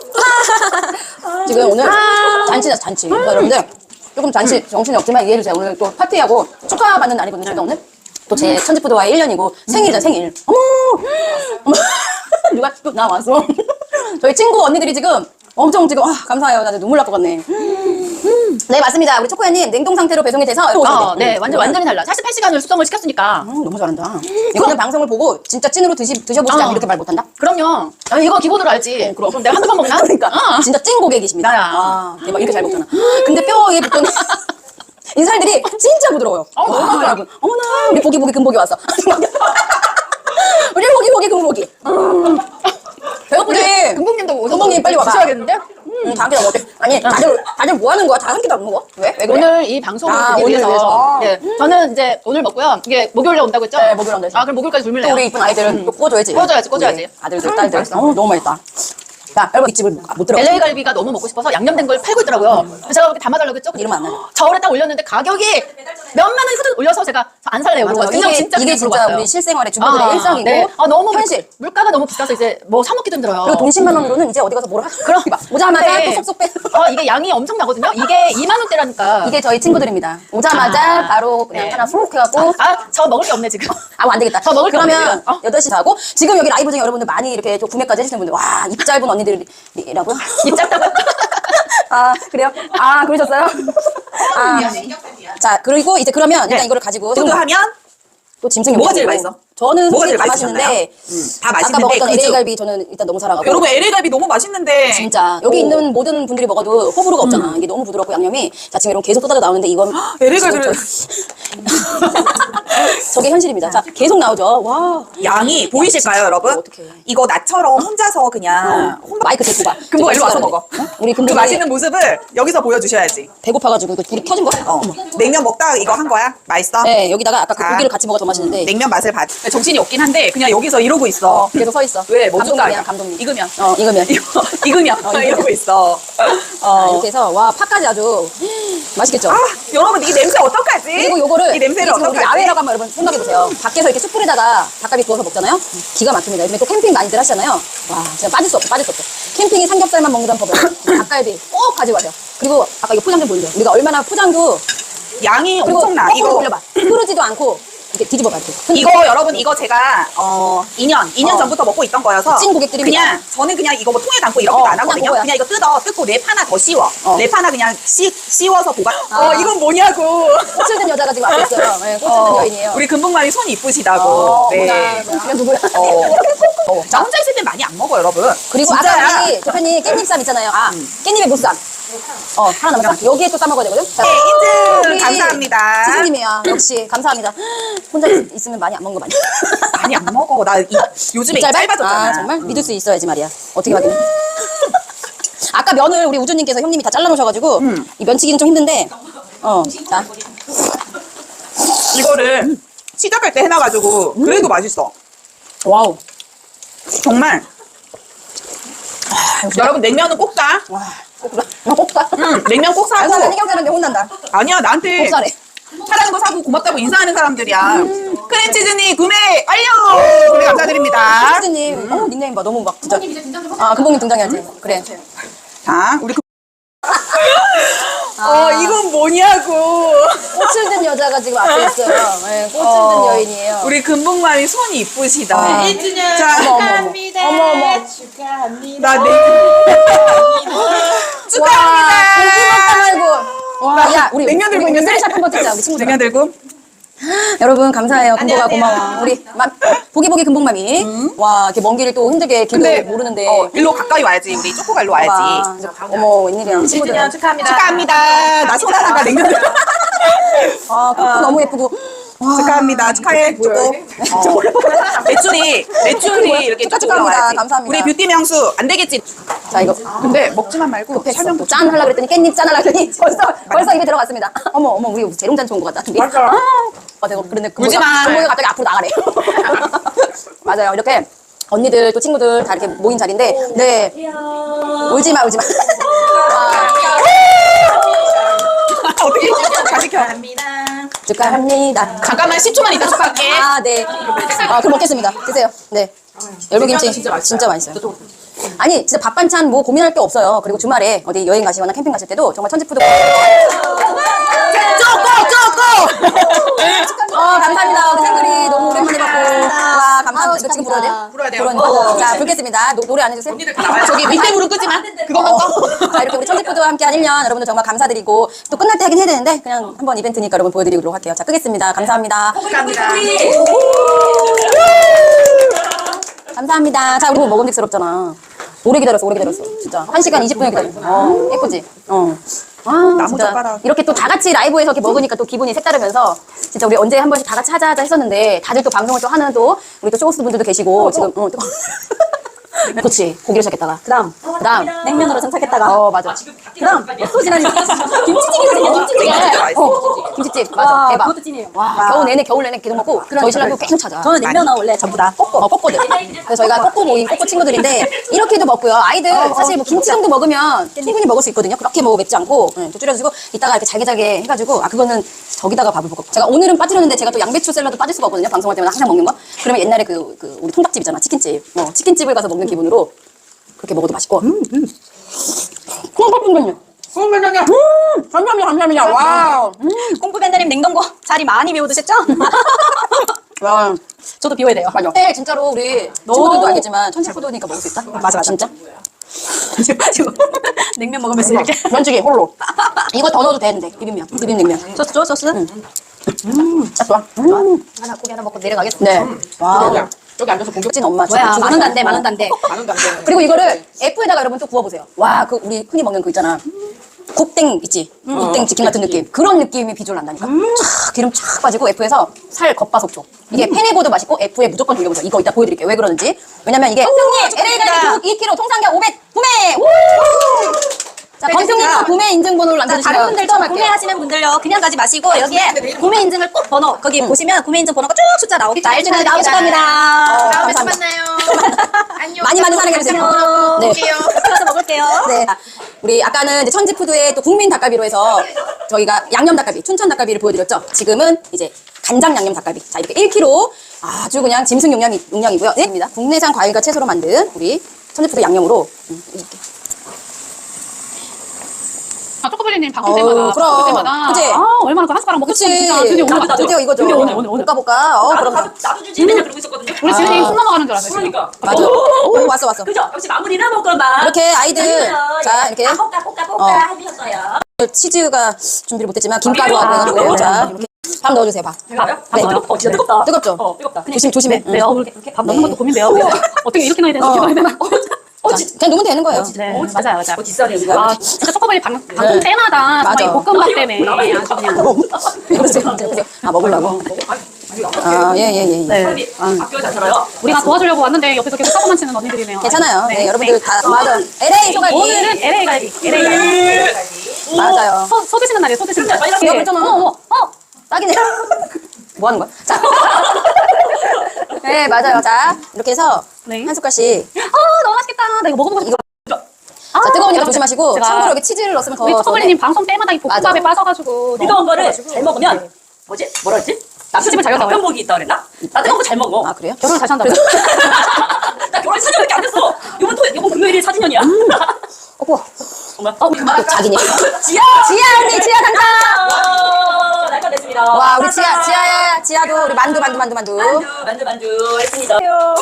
Speaker 1: 지금 오늘 잔치다 잔치. 그러니까 여러분들 조금 잔치 정신이 없지만 이해해 주세요. 오늘 또 파티하고 축하받는 날이거든요. 제가 오늘 또 제 천지푸드와의 일 년이고 생일이잖아 생일. 어머, 어머. 누가 또 나왔어? 저희 친구 언니들이 지금 엄청 지금 아, 감사해요. 나도 눈물 날 것 같네. 네 맞습니다. 우리 초코야님 냉동 상태로 배송이 돼서 이렇게
Speaker 4: 어,
Speaker 1: 오셨는데.
Speaker 4: 네, 완전 완전히 달라. 사십팔 시간을 수정을 시켰으니까.
Speaker 1: 음, 너무 잘한다. 이거는 방송을 보고 진짜 찐으로 드시, 드셔보시지 않으면
Speaker 4: 어.
Speaker 1: 이렇게 말 못한다?
Speaker 4: 그럼요. 아, 이거 기본으로 알지. 그럼. 내가 한두 번 먹나?
Speaker 1: 그러니까
Speaker 4: 어.
Speaker 1: 진짜 찐 고객이십니다.
Speaker 4: 나야.
Speaker 1: 아, 대박 이렇게 잘 먹잖아. 근데 뼈에 붙던 이 살들이 진짜 부드러워요.
Speaker 4: 어,
Speaker 1: 와,
Speaker 4: 너무 부드러워.
Speaker 1: 여러분. 어머나 우리 보기 보기 금복이 왔어. 우리 보기 보기 금복이. 음. 배고프지?
Speaker 4: 금복님도 오셔서
Speaker 1: 금복님 빨리 와봐.
Speaker 4: 드셔야겠는데?
Speaker 1: 음, 다 함께 다 먹게. 아니 다들 다들 뭐 하는 거야? 다 함께 다 먹어? 왜? 왜 그래?
Speaker 4: 오늘 이 방송을
Speaker 1: 아,
Speaker 4: 보기
Speaker 1: 오늘
Speaker 4: 위해서.
Speaker 1: 위해서.
Speaker 4: 예, 저는 이제 오늘 먹고요. 이게 목요일에 온다고 했죠?
Speaker 1: 네, 목요일에 온다고
Speaker 4: 아, 그럼 목요일까지
Speaker 1: 또
Speaker 4: 굶을래요.
Speaker 1: 우리 이쁜 아이들은 또 꿔줘야지.
Speaker 4: 꿔줘야지, 꿔줘야지.
Speaker 1: 우리 아들들 딸들. 어, 너무 맛있다. 자 여러분 이 집을 못 들어.
Speaker 4: 엘에이 갈비가 너무 먹고 싶어서 양념된 걸 팔고 있더라고요. 그래서 제가 그렇게 담아달라고 했죠?
Speaker 1: 이러면 안 나요.
Speaker 4: 저울에 딱 올렸는데 가격이 몇만 원이 후드 올려서 제가 안 살래요.
Speaker 1: 맞아요.
Speaker 4: 그러고 그냥
Speaker 1: 이게
Speaker 4: 진짜
Speaker 1: 이게
Speaker 4: 그냥
Speaker 1: 진짜
Speaker 4: 물어봤어요.
Speaker 1: 우리 실생활의 주부들의 일상이고
Speaker 4: 네. 아, 너무
Speaker 1: 현실.
Speaker 4: 물가가 너무 비싸서 이제 뭐 사 먹기도 힘들어요.
Speaker 1: 그리고 돈 십만 원으로는 이제 어디 가서 뭘 하? 그럼 오자마자
Speaker 4: 네.
Speaker 1: 또 쏙쏙 빼.
Speaker 4: 어, 이게 양이 엄청 나거든요. 이게 이만 원대라니까.
Speaker 1: 이게 저희 친구들입니다. 오자마자
Speaker 4: 아.
Speaker 1: 바로 그냥
Speaker 4: 네.
Speaker 1: 하나 쏙 해갖고
Speaker 4: 아, 저 먹을 게 없네 지금.
Speaker 1: 아우 안 되겠다.
Speaker 4: 저 먹을 거
Speaker 1: 그러면
Speaker 4: 없네요. 어?
Speaker 1: 여덟 시 다 하고 지금 여기 라이브 중에 여러분들 많이 이렇게 좀 구매까지 해주시는 분들 와 입 짧은 언니들이라고.
Speaker 4: 입 짧다고요?
Speaker 1: 아 그래요? 아 그러셨어요? 아,
Speaker 4: 미안해.
Speaker 1: 자 그리고 이제 그러면 일단
Speaker 4: 네.
Speaker 1: 이거를 가지고
Speaker 2: 푸드 하면
Speaker 1: 또 짐승이
Speaker 2: 뭐가
Speaker 1: 없고.
Speaker 2: 제일 맛있어?
Speaker 1: 저는
Speaker 2: 뭐가
Speaker 1: 솔직히
Speaker 2: 제일
Speaker 1: 다
Speaker 2: 맛있었나요?
Speaker 1: 맛있는데
Speaker 2: 음, 다
Speaker 1: 아까
Speaker 2: 맛있는데
Speaker 1: 먹었던
Speaker 2: 그죠?
Speaker 1: 엘에이 갈비 저는 일단 너무 사랑하고
Speaker 2: 여러분 엘에이 갈비 너무 맛있는데
Speaker 1: 진짜 여기 있는 모든 분들이 먹어도 호불호가 없잖아. 이게 너무 부드럽고 양념이 자 지금 이런 계속 쏟아져 나오는데 이건
Speaker 2: 엘에이 갈비를
Speaker 1: 저게 현실입니다. 자, 계속 나오죠. 와.
Speaker 2: 양이 보이실까요, 여러분?
Speaker 1: 어떡해.
Speaker 2: 이거 나처럼 혼자서 그냥 혼밥.
Speaker 1: 마이크 대고 봐.
Speaker 2: 금붕아 일로 와서
Speaker 1: 저
Speaker 2: 먹어.
Speaker 1: 우리
Speaker 2: 그
Speaker 1: 금붕이
Speaker 2: 맛있는 모습을 여기서 보여주셔야지.
Speaker 1: 배고파가지고 이거 불이 켜진 거야.
Speaker 2: 어. 냉면 먹다가 이거 한 거야? 맛있어?
Speaker 1: 네, 여기다가 아까 그
Speaker 2: 아.
Speaker 1: 고기를 같이 먹어 더 맛있는데
Speaker 2: 냉면 맛을 봐. 정신이 없긴 한데 그냥 여기서 이러고 있어.
Speaker 1: 계속 서 있어.
Speaker 2: 왜? 뭐
Speaker 1: 감독님이야,
Speaker 2: 줄까?
Speaker 1: 감독님.
Speaker 2: 익으면.
Speaker 1: 어, 익으면.
Speaker 2: 이거 익으면
Speaker 1: 어,
Speaker 2: 이러고 있어.
Speaker 1: 자,
Speaker 2: 어.
Speaker 1: 이렇게 해서 와 파까지 아주 맛있겠죠.
Speaker 2: 아, 여러분 이 냄새 어떡하지?
Speaker 1: 그리고 요거를
Speaker 2: 이 냄새를
Speaker 1: 이게 지금 우리
Speaker 2: 어떡하지?
Speaker 1: 야외라고 한번 여러분 생각해 보세요. 밖에서 이렇게 숯불에다가 닭갈비 구워서 먹잖아요. 기가 막힙니다. 요즘에 또 캠핑 많이들 하시잖아요. 와, 진짜 빠질 수 없어, 빠질 수 없어. 캠핑이 삼겹살만 먹는다는 법에 닭갈비 꼭 가지고 가세요. 그리고 아까 이거 포장 좀 보여줘요. 우리가 얼마나 포장도
Speaker 2: 양이
Speaker 1: 그리고
Speaker 2: 엄청나.
Speaker 1: 거꾸로
Speaker 2: 이거
Speaker 1: 돌려봐. 흐르지도 않고 이렇게 뒤집어봐 이렇게.
Speaker 2: 이거 여러분 이거 제가 어 이 년 이 년
Speaker 1: 어.
Speaker 2: 전부터 먹고 있던 거여서
Speaker 1: 찐 고객들입니다.
Speaker 2: 그냥 저는 그냥 이거 뭐 통에 담고 이렇게도
Speaker 1: 어,
Speaker 2: 안
Speaker 1: 그냥
Speaker 2: 하거든요.
Speaker 1: 그거야.
Speaker 2: 그냥 이거 뜯어 뜯고 랩 하나 더 씌워.
Speaker 1: 어.
Speaker 2: 랩 하나 그냥 씌, 씌워서 보관.
Speaker 1: 아.
Speaker 2: 어 이건 뭐냐고.
Speaker 1: 꽃을 든 여자가 지금 앞에 있어요. 네, 꽃을 든
Speaker 2: 어,
Speaker 1: 여인이에요.
Speaker 2: 우리 금붕맘이 손이 이쁘시다고.
Speaker 1: 어,
Speaker 2: 네.
Speaker 1: 뭐야, 그냥 누구야?
Speaker 2: 어. 어. 나 혼자 있을 땐 많이 안 먹어 여러분.
Speaker 1: 그리고
Speaker 2: 진짜야.
Speaker 1: 아까 우리 대표님 깻잎쌈 있잖아요. 아, 깻잎의 무쌈. 어, 하나 남았어. 여기에 또 싸먹어야 되거든. 자,
Speaker 2: 네, 인증
Speaker 1: 우리
Speaker 2: 감사합니다.
Speaker 1: 지수님이야. 역시 감사합니다. 혼자 있, 있으면 많이 안 먹는 거 많이.
Speaker 2: 많이 안 먹어. 나 이, 요즘에
Speaker 1: 짧아?
Speaker 2: 짧아졌잖아.
Speaker 1: 아, 정말 믿을 수 있어야지 말이야. 어떻게 확인해? 아까 면을 우리 우주님께서 형님이 다 잘라놓으셔가지고
Speaker 2: 음.
Speaker 1: 이 면치기는 좀 힘든데. 어, 자,
Speaker 2: 이거를 시작할 때 해놔가지고 그래도 맛있어.
Speaker 1: 와우.
Speaker 2: 정말. 여러분 냉면은 꼭 사.
Speaker 1: 와, 꼭사. 어, 꼭사.
Speaker 2: 응, 냉면 꼭
Speaker 1: 안 사는
Speaker 2: 사고.
Speaker 1: 해경 사는데 혼난다.
Speaker 2: 아니야 나한테
Speaker 1: 꼭사래.
Speaker 2: 사라는 거 사고 고맙다고 인사하는 사람들이야. 크림치즈니 구매 완료. 구매 감사드립니다.
Speaker 1: 수진님, 어, 닉네임 봐. 너무 막 진짜.
Speaker 3: 님 이제 등장 좀
Speaker 1: 아, 금봉님 등장해야지. 그래.
Speaker 2: 자, 우리 그...
Speaker 1: 아.
Speaker 2: 어 이건 뭐냐고.
Speaker 1: 꽃을 든 여자가 지금 앞에 있어요. 네, 꽃을
Speaker 2: 어,
Speaker 1: 든 여인이에요.
Speaker 2: 우리 금붕맘이 손이 이쁘시다.
Speaker 1: 아.
Speaker 4: 일 주년
Speaker 2: 자,
Speaker 1: 어머, 어머, 어머.
Speaker 4: 축하합니다.
Speaker 1: 어머, 어머.
Speaker 4: 축하합니다.
Speaker 2: 나 내. 축하합니다.
Speaker 1: 와, 고기 먹다 말고. 와, 야, 우리
Speaker 2: 냉면 들고
Speaker 1: 우리
Speaker 2: 있는데?
Speaker 1: 쓰리샷 한번 찍자, 우리 친구들.
Speaker 2: 냉면 들고.
Speaker 1: 여러분 감사해요. 금보가
Speaker 4: 안녕하세요.
Speaker 1: 고마워. 우리 맘, 보기보기 금봉맘이. 와, 이렇게 먼 길을 또 힘들게 길도
Speaker 2: 근데
Speaker 1: 모르는데.
Speaker 2: 어, 일로 가까이 와야지. 우리 쪼꼬가 일로
Speaker 1: 와,
Speaker 2: 와야지.
Speaker 1: 어머, 웬일이야. 친구들.
Speaker 4: 주년 축하합니다.
Speaker 2: 축하합니다. 나 손 하나가 냉면 들고.
Speaker 1: 아, 꽃도 너무 예쁘고. 와,
Speaker 2: 축하합니다. 축하해. 쪼꼬. 어. 매출이 매출이 이렇게
Speaker 1: 축하,
Speaker 2: 쭉
Speaker 1: 축하합니다.
Speaker 2: 올라와야지.
Speaker 1: 감사합니다.
Speaker 2: 우리 뷰티 명수 안 되겠지.
Speaker 1: 자, 이거.
Speaker 2: 근데 먹지만 말고
Speaker 1: 급했어.
Speaker 2: 설명
Speaker 1: 짠 하려고 그랬더니 깻잎 짠 하려고 그랬더니 벌써, 벌써 입에 들어갔습니다. 어머, 어머, 우리 재롱잔치 온 것 같다.
Speaker 2: 맞아.
Speaker 1: 아, 아, 내가 그런데
Speaker 2: 울지 마.
Speaker 1: 금보가 갑자기 앞으로 나가래. 맞아요. 이렇게 언니들 또 친구들 다 이렇게 모인 자리인데, 네. 울지 마, 울지 마. 아,
Speaker 2: 어떻게 잘 지켜.
Speaker 4: 축하합니다.
Speaker 1: 축하합니다.
Speaker 2: 잠깐만 십 초만 있다 축하할게.
Speaker 1: 아, 네. 아, 그럼 먹겠습니다. 드세요. 네. 열무김치 진짜 맛있어요. 진짜 맛있어요. 아니, 진짜 밥 반찬 뭐 고민할 게 없어요. 그리고 주말에 어디 여행 가시거나 캠핑 가실 때도 정말 천지푸드.
Speaker 2: 쪼꼬 쪼꼬.
Speaker 1: 어, 감사합니다. 우리 생글이 너무 오랜만에 봤고. 와, 감사합니다. 이거 지금 불어야 돼요?
Speaker 2: 불어야 돼요.
Speaker 1: 불어야 자, 불겠습니다. 노, 노래 안 해주세요?
Speaker 2: 저기 밑에 무릎 끄지 마. 그것만 꺼.
Speaker 1: 자, 이렇게 우리 천지푸드와 함께 한 일 년 여러분들 정말 감사드리고 또 끝날 때 하긴 해야 되는데 그냥 한번 이벤트니까 여러분 보여드리도록 할게요. 자, 끄겠습니다. 감사합니다.
Speaker 2: 축하합니다.
Speaker 1: 감사합니다. 자, 우리 뭐 먹음직스럽잖아. 오래 기다렸어, 오래 기다렸어. 진짜. 한 시간 이십 분을 기다렸어. 어, 예쁘지? 어. 아, 진짜.
Speaker 2: 젓가락.
Speaker 1: 이렇게 또 다 같이 라이브에서 이렇게 먹으니까 또 기분이 색다르면서 진짜 우리 언제 한 번씩 다 같이 하자 하자 했었는데 다들 또 방송을 또 하는 또 우리 또 쇼호스트 분들도 계시고 지금, 어, 또. 그렇지. 고기를 시작했다가. 그 다음. 그 다음. 냉면으로 장착했다가. 어, 맞아. 그 다음. 또 지나니. 김치찌개거든요, 김치찌개. 어, 김치찌개. 맞아.
Speaker 5: 와,
Speaker 1: 대박.
Speaker 5: 그것도 찐이에요.
Speaker 1: 와, 겨우 내내, 겨울 내내 계속 먹고 저희 신랑도 계속 찾아.
Speaker 5: 저는 냉면은 원래 전부 다
Speaker 1: 꼬꼬, 어, 꼬꼬들. 그래서 저희가 꼬꼬 모임, 꼬꼬 친구들인데, 이렇게도 먹고요. 아이들, 사실 뭐 김치 정도 먹으면 충분히 먹을 수 있거든요. 그렇게 뭐 맵지 않고, 네, 또 줄여주고, 이따가 이렇게 잘게 잘게 해가지고, 아, 그거는 저기다가 밥을 먹고. 제가 오늘은 빠뜨렸는데, 제가 또 양배추 샐러드 빠질 수가 없거든요. 방송할 때마다 항상 먹는 거. 그러면 옛날에 그, 그, 우리 통닭집 있잖아. 치킨집. 어, 치킨집을 가서 먹는 기분으로, 그렇게 먹어도 맛있고. 음, 음. 콩밥순전요. 콩밥순전요. 음, 감사합니다, 감사합니다. 와우. 음.
Speaker 5: 꽁프밴드님 냉동고 자리 많이 비워 드셨죠?
Speaker 1: 와.
Speaker 5: 저도 비워야 돼요.
Speaker 1: 맞아. 네, 진짜로 우리 친구들도 알겠지만 천지푸드니까 먹을 수 있다.
Speaker 5: 맞아, 맞아.
Speaker 1: 진짜.
Speaker 5: 지금 냉면 먹으면서 이렇게
Speaker 1: 면치기 홀로. 이거 더 넣어도 되는데 비빔면, 비빔냉면.
Speaker 5: 소스 줘 소스.
Speaker 1: 음, 딱 좋아. 음.
Speaker 5: 하나 고기 하나 먹고 내려가겠습니다.
Speaker 1: 네. 와.
Speaker 4: 여기 앉아서 공격.
Speaker 1: 찐 엄마.
Speaker 5: 뭐야
Speaker 1: 진짜
Speaker 5: 만원 단데
Speaker 1: 어.
Speaker 5: 만원 단데.
Speaker 4: 많은 거 안 돼.
Speaker 1: 그리고 이거를 F에다가 여러분 또 구워보세요. 와, 그 우리 흔히 먹는 그 있잖아. 굽땡 있지? 굽땡 치킨 같은 느낌. 그런 느낌이 비주얼 난다니까. 촥 기름 촥 빠지고 F에서 살 겉바속촉. 이게 팬에 구워도 맛있고 F에 무조건 돌려보세요. 이거 이따 보여드릴게요. 왜 그러는지. 왜냐면 이게 형님 엘에이 갈비 이 킬로그램 통상가 오백 구매. 우! 자, 범평님도 구매 인증번호를 남겨주시면
Speaker 5: 다른 분들도
Speaker 1: 추첨할게요.
Speaker 5: 구매하시는 분들요 그냥 가지 마시고 여기에 구매 인증을 꼭 번호 거기 보시면 구매 인증 번호가 쭉 숫자 나오겠죠.
Speaker 1: 나중에 나오실 겁니다. 어,
Speaker 3: 다음에 또
Speaker 1: 감사합니다.
Speaker 3: 만나요. 안녕.
Speaker 1: 많이 많이 사랑해주세요. 네.
Speaker 5: 가서 먹을게요.
Speaker 1: 네. 우리 아까는 이제 천지푸드의 또 국민 닭갈비로 해서 저희가 양념 닭갈비, 춘천 닭갈비를 보여드렸죠. 지금은 이제 간장 양념 닭갈비. 자, 이렇게 일 킬로그램 아주 그냥 짐승 용량이, 용량이고요. 네. 입니다. 국내산 과일과 채소로 만든 우리 천지푸드 양념으로 음, 이렇게.
Speaker 3: 아, 초코블리님 방송
Speaker 1: 어우,
Speaker 3: 때마다.
Speaker 1: 그럼.
Speaker 3: 방송 때마다.
Speaker 1: 그치?
Speaker 3: 아, 얼마나 그 한 숟가락 먹고
Speaker 1: 그치.
Speaker 3: 싶으면 진짜 드디어 오늘
Speaker 1: 나도, 드디어 이거죠.
Speaker 3: 드디어 오늘, 오늘, 오늘.
Speaker 1: 볶아 볶아. 어,
Speaker 4: 나도,
Speaker 1: 그럼.
Speaker 4: 나도, 나도 주지 맨날 그러고 있었거든요.
Speaker 3: 우리 지은이 숨 넘어가는 줄 알았어요.
Speaker 4: 그러니까.
Speaker 1: 맞아. 오, 왔어, 왔어.
Speaker 4: 그죠? 역시 마무리나 먹거나.
Speaker 1: 이렇게 아이들, 자, 이렇게.
Speaker 4: 아, 볶아, 볶아, 볶아
Speaker 1: 어.
Speaker 4: 해주셨어요.
Speaker 1: 치즈가 준비를 못했지만 김가루하고 해가지고. 자, 이렇게. 밥 넣어주세요, 밥.
Speaker 4: 이거요?
Speaker 1: 네.
Speaker 4: 네. 어, 진짜 뜨겁다.
Speaker 1: 뜨겁죠?
Speaker 4: 어, 뜨겁다.
Speaker 1: 조심, 조심해.
Speaker 3: 네, 어, 이렇게, 이렇게 밥 넣는 것도 고민돼요. 어떻게 이렇게 넣어야 되나,
Speaker 1: 어.
Speaker 3: 이렇게 넣어야 되나.
Speaker 4: 어,
Speaker 1: 자,
Speaker 4: 진-
Speaker 1: 그냥 놓으면 되는 거예요.
Speaker 3: 네,
Speaker 4: 어,
Speaker 3: 맞아요, 맞아요.
Speaker 4: 어, 뒷살이야, 이거.
Speaker 3: 아, 진짜 초코블리 방, 방송 때마다
Speaker 1: 맞아.
Speaker 3: 정말 이 볶음밥 때문에 아주 그냥.
Speaker 1: 그러세요. 그러세요. 아, 먹으려고. 아, 예, 예, 예. 예.
Speaker 3: 네.
Speaker 4: 빨리 학교 잘 살아요.
Speaker 3: 우리가 도와주려고 왔는데 옆에서 계속 사고만 치는 언니들이네요.
Speaker 1: 괜찮아요. 네, 여러분들 다, 맞아. 엘에이 소갈비.
Speaker 3: 오늘은 엘에이 갈비. 엘에이 갈비.
Speaker 1: 맞아요.
Speaker 3: 소, 소 드시는 날이에요, 소 드시는 날.
Speaker 4: 빨리
Speaker 1: 이거 그랬잖아.
Speaker 3: 어머, 어머, 어!
Speaker 1: 딱이네. 뭐 하는 거야? 자. 네, 맞아요. 자, 이렇게 해서
Speaker 3: 네.
Speaker 1: 한 숟갈씩.
Speaker 3: 아, 너무 맛있겠다. 나 이거 먹어보고 싶어. 아,
Speaker 1: 자, 뜨거우니까
Speaker 3: 여러분,
Speaker 1: 조심하시고.
Speaker 3: 제가
Speaker 1: 참고로 여기 치즈를 넣었으면 더.
Speaker 3: 우리
Speaker 1: 좋은데.
Speaker 3: 초코블리님 방송 때마다 이 볶음밥에
Speaker 1: 맞아.
Speaker 3: 빠져가지고.
Speaker 4: 뜨거운 거를 잘 먹으면 뭐지? 뭐라 했지?
Speaker 3: 남편집을 잘 간다고요?
Speaker 4: 남편복이 있다 그랬나? 나 뜨거운 거 잘 먹어.
Speaker 1: 아, 그래요?
Speaker 3: 결혼을 다시 한다고요?
Speaker 4: 나 결혼 사 년밖에 안 됐어. 이번 토 이번 금요일이 사 주년이야.
Speaker 1: 어머.
Speaker 4: 정말. 어,
Speaker 1: 또 자기네.
Speaker 4: 지야.
Speaker 1: 지아 언니, 지아 당첨!
Speaker 4: 어, 날짜 됐습니다.
Speaker 1: 와, 우리 지아, 지아야, 지아도 우리 만두, 만두, 만두, 만두.
Speaker 4: 만두, 만두, 만두 했습니다.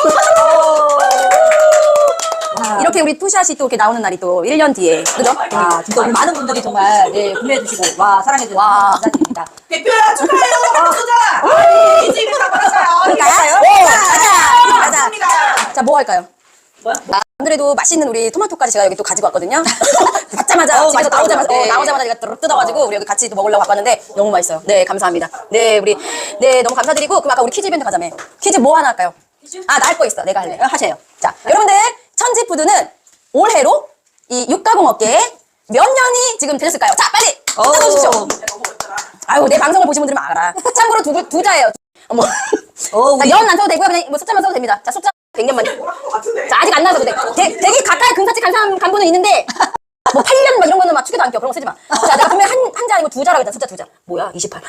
Speaker 1: 이렇게 우리 투샷이 또 이렇게 나오는 날이 또 일 년 뒤에. 그죠?
Speaker 6: 아, 진짜 우리 많은 분들이 정말 네, 구매해주시고 와 사랑해주셔서
Speaker 1: 와.
Speaker 6: 감사드립니다.
Speaker 2: 대표야 축하해요. 수자. 이 집으로 받았어요.
Speaker 1: 그럴까요? 네, 가자! 가자!
Speaker 2: 맞습니다.
Speaker 1: 자, 뭐 할까요?
Speaker 4: 뭐야?
Speaker 1: 안 그래도 맛있는 우리 토마토까지 제가 여기 또 가지고 왔거든요. 받자마자
Speaker 6: 어,
Speaker 1: 집에서
Speaker 6: 맛있다.
Speaker 1: 나오자마자 어,
Speaker 6: 네.
Speaker 1: 나오자마자 제가 뚜- 뜯어가지고 우리 여기 같이 또 먹으려고 왔는데 너무 맛있어요. 네, 감사합니다. 네, 우리 네 너무 감사드리고 그럼 아까 우리 퀴즈 이벤트 가자며. 퀴즈 뭐 하나 할까요? 아, 나 할 거 있어. 내가 할래. 어, 하세요. 자, 여러분들 천지푸드는 올해로 이 육가공 업계에 몇 년이 지금 되셨을까요? 자, 빨리 찾아주십시오. 아유, 내 방송을 보신 분들은 알아. 참고로 두, 두 자예요. 어머.
Speaker 6: 어, 우리
Speaker 1: 연 안 써도 되고요. 그냥 뭐 숫자만 써도 됩니다. 자, 숫자 백 년만. 자, 아직 안 나와도 돼. 되, 되게 가까이 근사치 간사한 간부는 있는데 뭐 팔 년 막 이런 거는 막 추계도 안 껴. 그런 거 쓰지 마. 자, 내가 분명히 한, 한자 아니고 두 자라고 했잖아. 숫자 두 자. 뭐야? 이십팔.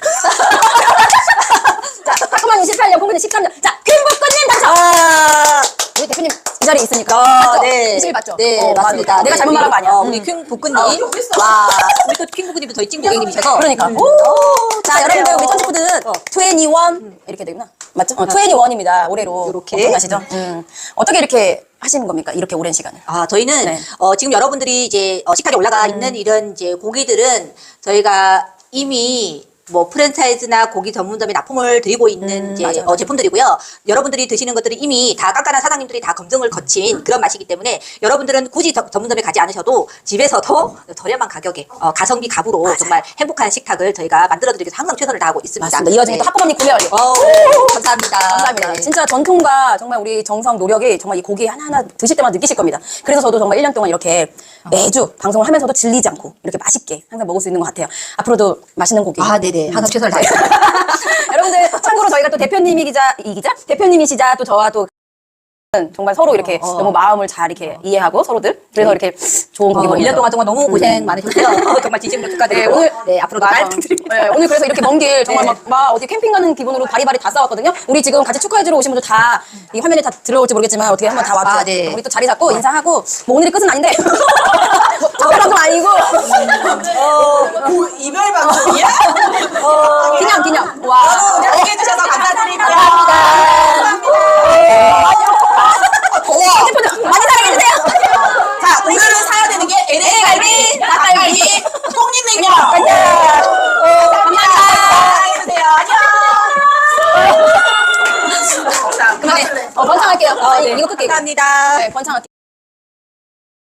Speaker 1: 자, 자꾸만 이십팔 년, 공군이 십삼 년. 자, 김복근님 당첨!
Speaker 6: 아,
Speaker 1: 우리 대표님 이 자리에 있으니까.
Speaker 6: 어,
Speaker 1: 맞죠?
Speaker 6: 네.
Speaker 1: 이십일 맞죠?
Speaker 6: 네,
Speaker 1: 어,
Speaker 6: 맞습니다.
Speaker 1: 내가
Speaker 6: 네,
Speaker 1: 잘못 말한 거 아니야.
Speaker 6: 어,
Speaker 1: 음.
Speaker 6: 우리 킹 복근님. 와, 우리 또 킹 복근님도 저희 찐 고객님이셔서.
Speaker 1: 그러니까.
Speaker 6: 음.
Speaker 1: 오, 자, 여러분들 우리 천지푸드는
Speaker 6: 어.
Speaker 1: 이십일 이렇게 되구나. 맞죠? 어, 이십일입니다. 올해로.
Speaker 6: 요렇게.
Speaker 1: 기억나시죠? 음. 어떻게 이렇게 하시는 겁니까? 이렇게 오랜 시간을.
Speaker 6: 아, 저희는
Speaker 1: 네.
Speaker 6: 어, 지금 여러분들이 이제 어, 식탁에 올라가 있는 이런 이제 고기들은 저희가 이미 뭐 프랜차이즈나 고기 전문점에 납품을 드리고 있는 이제
Speaker 1: 맞아요,
Speaker 6: 어,
Speaker 1: 맞아요.
Speaker 6: 제품들이고요. 여러분들이 드시는 것들이 이미 다 깐깐한 사장님들이 다 검증을 거친 그런 맛이기 때문에 여러분들은 굳이 저- 전문점에 가지 않으셔도 집에서도 저렴한 가격에 어, 가성비 값으로 정말 행복한 식탁을 저희가 만들어 드리기 위해서 항상 최선을 다하고 있습니다.
Speaker 1: 맞습니다. 이 와중에
Speaker 6: 네.
Speaker 1: 또 하프머니 구매 완료.
Speaker 6: 어, 감사합니다.
Speaker 1: 감사합니다.
Speaker 6: 네.
Speaker 1: 진짜 전통과 정말 우리 정성, 노력이 정말 이 고기 하나하나 드실 때마다 느끼실 겁니다. 그래서 저도 정말 일 년 동안 이렇게 매주 방송을 하면서도 질리지 않고 이렇게 맛있게 항상 먹을 수 있는 것 같아요. 앞으로도 맛있는 고기.
Speaker 6: 아, 네네. 항상 최선을 다해요.
Speaker 1: 여러분들 참고로 저희가 또 대표님이 기자, 이 기자? 대표님이시자 또 저와 또 정말 서로 이렇게
Speaker 6: 어, 어.
Speaker 1: 너무 마음을 잘 이렇게 이해하고 서로들 그래서 이렇게 좋은 고기
Speaker 6: 어,
Speaker 1: 먹는
Speaker 6: 일 년 동안 정말 너무 고생 많으셨고요. 어, 정말 진심으로 축하드리고.
Speaker 1: 네, 오늘-
Speaker 6: 네, 앞으로도
Speaker 1: 맞아.
Speaker 6: 잘 부탁드립니다.
Speaker 1: 네, 오늘 그래서 이렇게 먼 길 정말
Speaker 6: 네.
Speaker 1: 막, 막 어디 캠핑 가는 기분으로 바리바리 다 싸웠거든요. 우리 지금 같이 축하해주러 오신 분들 다 이 화면에 다 들어올지 모르겠지만 어떻게 한번 다 왔죠.
Speaker 6: 아, 네.
Speaker 1: 우리 또 자리 잡고 인사하고 뭐 오늘이 끝은 아닌데 뭐 특별한 건 아니고
Speaker 2: 그 이별 방송이야?
Speaker 1: 기념 기념. 와.
Speaker 2: 너무 함께 해주셔서 감사드립니다.
Speaker 1: 핸드폰 많이 사랑해주세요.
Speaker 2: 자, 오늘은 사야 되는 게 엘에이 갈비, 닭갈비, 꽁잎냉면. 감사합니다. 사랑해주세요. 안녕.
Speaker 1: 그만해. 어, 번창할게요. 어, 네, 이거 끌게요.
Speaker 2: 감사합니다.
Speaker 1: 네, 번창할게요.